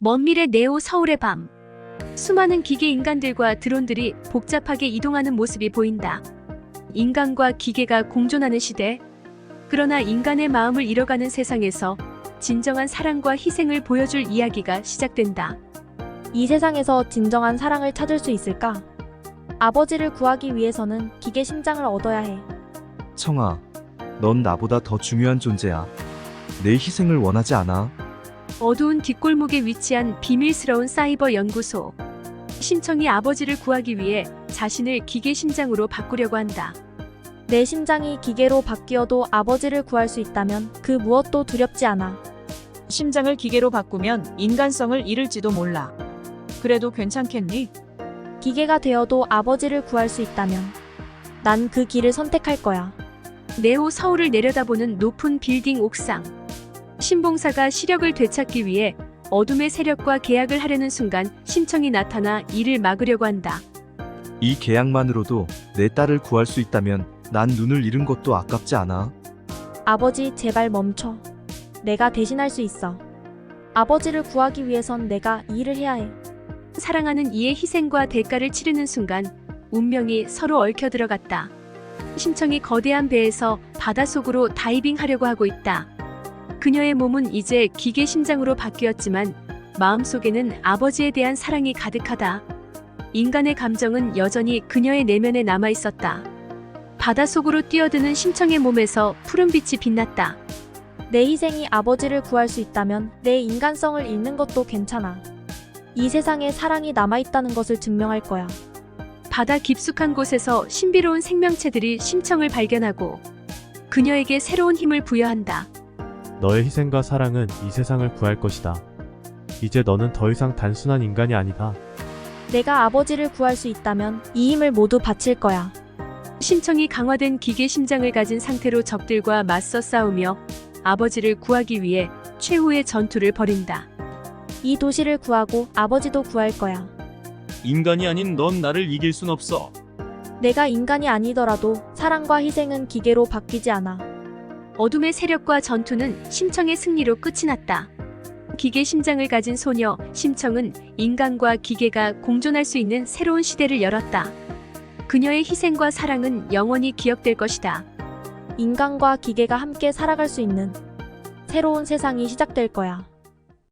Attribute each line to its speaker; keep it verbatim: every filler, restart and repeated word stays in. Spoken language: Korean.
Speaker 1: 먼 미래 네오 서울의 밤. 수많은 기계 인간들과 드론들이 복잡하게 이동하는 모습이 보인다. 인간과 기계가 공존하는 시대. 그러나 인간의 마음을 잃어가는 세상에서 진정한 사랑과 희생을 보여줄 이야기가 시작된다.
Speaker 2: 이 세상에서 진정한 사랑을 찾을 수 있을까? 아버지를 구하기 위해서는 기계 심장을 얻어야 해.
Speaker 3: 청아, 넌 나보다 더 중요한 존재야. 내 희생을 원하지 않아.
Speaker 1: 어두운 뒷골목에 위치한 비밀스러운 사이버 연구소. 심청이 아버지를 구하기 위해 자신을 기계 심장으로 바꾸려고 한다.
Speaker 2: 내 심장이 기계로 바뀌어도 아버지를 구할 수 있다면 그 무엇도 두렵지 않아.
Speaker 4: 심장을 기계로 바꾸면 인간성을 잃을지도 몰라. 그래도 괜찮겠니?
Speaker 2: 기계가 되어도 아버지를 구할 수 있다면 난 그 길을 선택할 거야.
Speaker 1: 네오 서울을 내려다보는 높은 빌딩 옥상. 신봉사가 시력을 되찾기 위해 어둠의 세력과 계약을 하려는 순간 심청이 나타나 이를 막으려고 한다.
Speaker 3: 이 계약만으로도 내 딸을 구할 수 있다면 난 눈을 잃은 것도 아깝지 않아.
Speaker 2: 아버지, 제발 멈춰. 내가 대신할 수 있어. 아버지를 구하기 위해선 내가 이 일을 해야 해.
Speaker 1: 사랑하는 이의 희생과 대가를 치르는 순간 운명이 서로 얽혀 들어갔다. 심청이 거대한 배에서 바닷속으로 다이빙하려고 하고 있다. 그녀의 몸은 이제 기계 심장으로 바뀌었지만 마음속에는 아버지에 대한 사랑이 가득하다. 인간의 감정은 여전히 그녀의 내면에 남아 있었다. 바닷속으로 뛰어드는 심청의 몸에서 푸른빛이 빛났다.
Speaker 2: 내 희생이 아버지를 구할 수 있다면 내 인간성을 잃는 것도 괜찮아. 이 세상에 사랑이 남아있다는 것을 증명할 거야.
Speaker 1: 바다 깊숙한 곳에서 신비로운 생명체들이 심청을 발견하고 그녀에게 새로운 힘을 부여한다.
Speaker 5: 너의 희생과 사랑은 이 세상을 구할 것이다. 이제 너는 더 이상 단순한 인간이 아니다.
Speaker 2: 내가 아버지를 구할 수 있다면 이 힘을 모두 바칠 거야.
Speaker 1: 심청이 강화된 기계 심장을 가진 상태로 적들과 맞서 싸우며 아버지를 구하기 위해 최후의 전투를 벌인다.
Speaker 2: 이 도시를 구하고 아버지도 구할 거야.
Speaker 6: 인간이 아닌 넌 나를 이길 순 없어.
Speaker 2: 내가 인간이 아니더라도 사랑과 희생은 기계로 바뀌지 않아.
Speaker 1: 어둠의 세력과 전투는 심청의 승리로 끝이 났다. 기계 심장을 가진 소녀 심청은 인간과 기계가 공존할 수 있는 새로운 시대를 열었다. 그녀의 희생과 사랑은 영원히 기억될 것이다.
Speaker 2: 인간과 기계가 함께 살아갈 수 있는 새로운 세상이 시작될 거야.